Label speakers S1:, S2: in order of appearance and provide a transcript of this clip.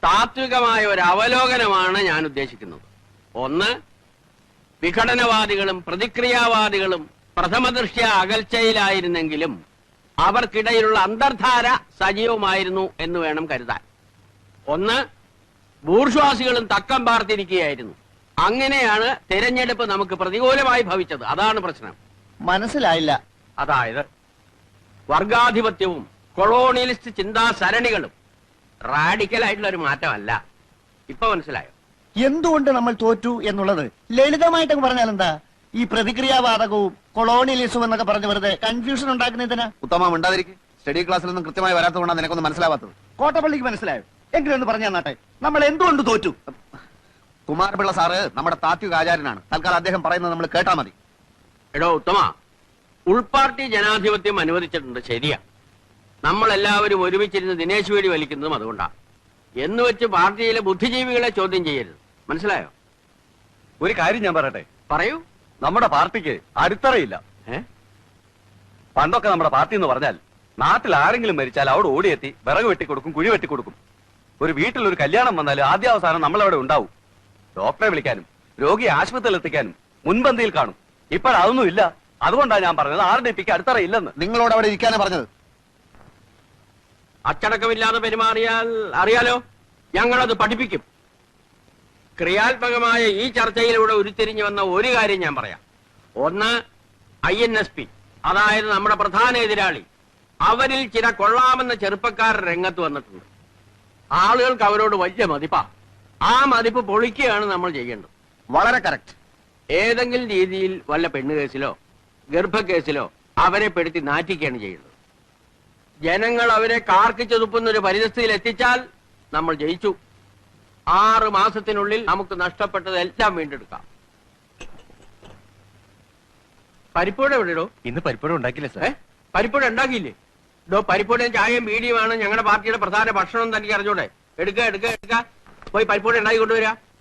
S1: താത്വികമായ ഒരു അവലോകനമാണ് ഞാൻ ഉദ്ദേശിക്കുന്നത്. ഒന്ന്, വിഘടനവാദികളും പ്രതിക്രിയാവാദികളും പ്രഥമദൃഷ്ട്യാ അകൽച്ചയിലായിരുന്നെങ്കിലും അവർക്കിടയിലുള്ള അന്തർധാര സജീവമായിരുന്നു എന്ന് വേണം കരുതാൻ. ഒന്ന്, ബൂർഷ്വാസികളും തക്കം പാർത്തിരിക്കുകയായിരുന്നു. അങ്ങനെയാണ് തെരഞ്ഞെടുപ്പ് നമുക്ക് പ്രതികൂലമായി ഭവിച്ചത്. അതാണ് പ്രശ്നം.
S2: മനസ്സിലായില്ല.
S1: അതായത് വർഗാധിപത്യവും കൊളോണിയലിസ്റ്റ് ചിന്താ സരണികളും റാഡിക്കലായിട്ടുള്ള ഒരു മാറ്റമല്ല. ഇപ്പൊ മനസ്സിലായോ
S2: എന്തുകൊണ്ട് നമ്മൾ തോറ്റു എന്നുള്ളത്? ലളിതമായിട്ട് പറഞ്ഞാൽ എന്താ? ഈ പ്രതിക്രിയാവാദകവും കൊളോണിയലിസവും എന്നൊക്കെ പറഞ്ഞ് വെറുതെ കൺഫ്യൂഷൻ ഉണ്ടാക്കുന്നതിനാ.
S3: ഉത്തമം ഉണ്ടാതിരിക്കും. സ്റ്റഡി ക്ലാസ്സിലൊന്നും കൃത്യമായി വരാത്തതുകൊണ്ടാണ് നിനക്കൊന്നും മനസ്സിലാവാത്തത്.
S2: കോട്ടപ്പള്ളിക്ക് മനസ്സിലായോ? എങ്കിലും ഒന്ന് പറഞ്ഞു തന്നാട്ടെ, നമ്മൾ എന്തുകൊണ്ട് തോറ്റു?
S3: കുമാരപിള്ള സാറ് നമ്മുടെ താത്വിക ആചാര്യനാണ്. തൽക്കാലം അദ്ദേഹം പറയുന്നത് നമ്മൾ കേട്ടാ മതി.
S1: എടോ ഉത്തമ, ഉൾപാർട്ടി ജനാധിപത്യം അനുവദിച്ചിട്ടുണ്ട്, ശരിയാ. നമ്മളെല്ലാവരും ഒരുമിച്ചിരുന്ന് ദിനേശ് വേടി വലിക്കുന്നതും അതുകൊണ്ടാണ്. എന്ന് വെച്ച് പാർട്ടിയിലെ ബുദ്ധിജീവികളെ ചോദ്യം ചെയ്യരുത്. മനസ്സിലായോ?
S4: ഒരു കാര്യം ഞാൻ പറയട്ടെ.
S1: പറയൂ.
S4: നമ്മുടെ പാർട്ടിക്ക് അടിത്തറയില്ല. പണ്ടൊക്കെ നമ്മുടെ പാർട്ടി എന്ന് പറഞ്ഞാൽ നാട്ടിൽ ആരെങ്കിലും മരിച്ചാൽ അവിടെ ഓടിയെത്തി വിറക് വെട്ടിക്കൊടുക്കും, കുഴി വെട്ടിക്കൊടുക്കും. ഒരു വീട്ടിൽ ഒരു കല്യാണം വന്നാൽ ആദ്യാവസാനം നമ്മളവിടെ ഉണ്ടാവും. ഡോക്ടറെ വിളിക്കാനും രോഗിയെ ആശുപത്രിയിൽ എത്തിക്കാനും മുൻപന്തിയിൽ കാണും. ഇപ്പോഴതൊന്നും ഇല്ല. അതുകൊണ്ടാണ് ഞാൻ പറഞ്ഞത് RDPക്ക് അടിത്തറയില്ലെന്ന്.
S3: നിങ്ങളോട് അവിടെ ഇരിക്കാനാ പറഞ്ഞത്.
S1: അച്ചടക്കമില്ലാതെ പെരുമാറിയാൽ അറിയാലോ, ഞങ്ങളത് പഠിപ്പിക്കും. ക്രിയാത്മകമായ ഈ ചർച്ചയിലൂടെ ഉരുത്തിരിഞ്ഞു വന്ന ഒരു കാര്യം ഞാൻ പറയാം. ഒന്ന്, INSP, അതായത് നമ്മുടെ പ്രധാന എതിരാളി. അവരിൽ ചില കൊള്ളാമെന്ന ചെറുപ്പക്കാർ രംഗത്ത് വന്നിട്ടുണ്ട്. ആളുകൾക്ക് അവരോട് വലിയ മതിപ്പാ. ആ മതിപ്പ് പൊളിക്കുകയാണ് നമ്മൾ ചെയ്യേണ്ടത്.
S3: വളരെ കറക്റ്റ്.
S1: ഏതെങ്കിലും രീതിയിൽ വല്ല പെണ്ണുകേസിലോ ഗർഭക്കേസിലോ അവരെ പെടുത്തി നാറ്റിക്കുകയാണ് ചെയ്യുന്നത്. ജനങ്ങൾ അവരെ കാർക്കിച്ചു തുപ്പുന്നൊരു പരിതസ്ഥിതിയിൽ എത്തിച്ചാൽ നമ്മൾ ജയിച്ചു. 6 മാസത്തിനുള്ളിൽ നമുക്ക് നഷ്ടപ്പെട്ടതെല്ലാം വീണ്ടെടുക്കാം. പരിപ്പൂട എവിടെയോ?
S4: ഇന്ന് പരിപ്പൂട ഉണ്ടാക്കില്ല സാർ.
S1: പരിപ്പൂട ഉണ്ടാക്കിയില്ലേ? പരിപ്പൂടയും ചായയും ബീഡിയുമാണ് ഞങ്ങളുടെ പാർട്ടിയുടെ പ്രധാന ഭക്ഷണം. തനിക്ക് അറിഞ്ഞൂടെ? എടുക്ക പോയി പരിപ്പൂട ഉണ്ടാക്കി കൊണ്ടുവരാ.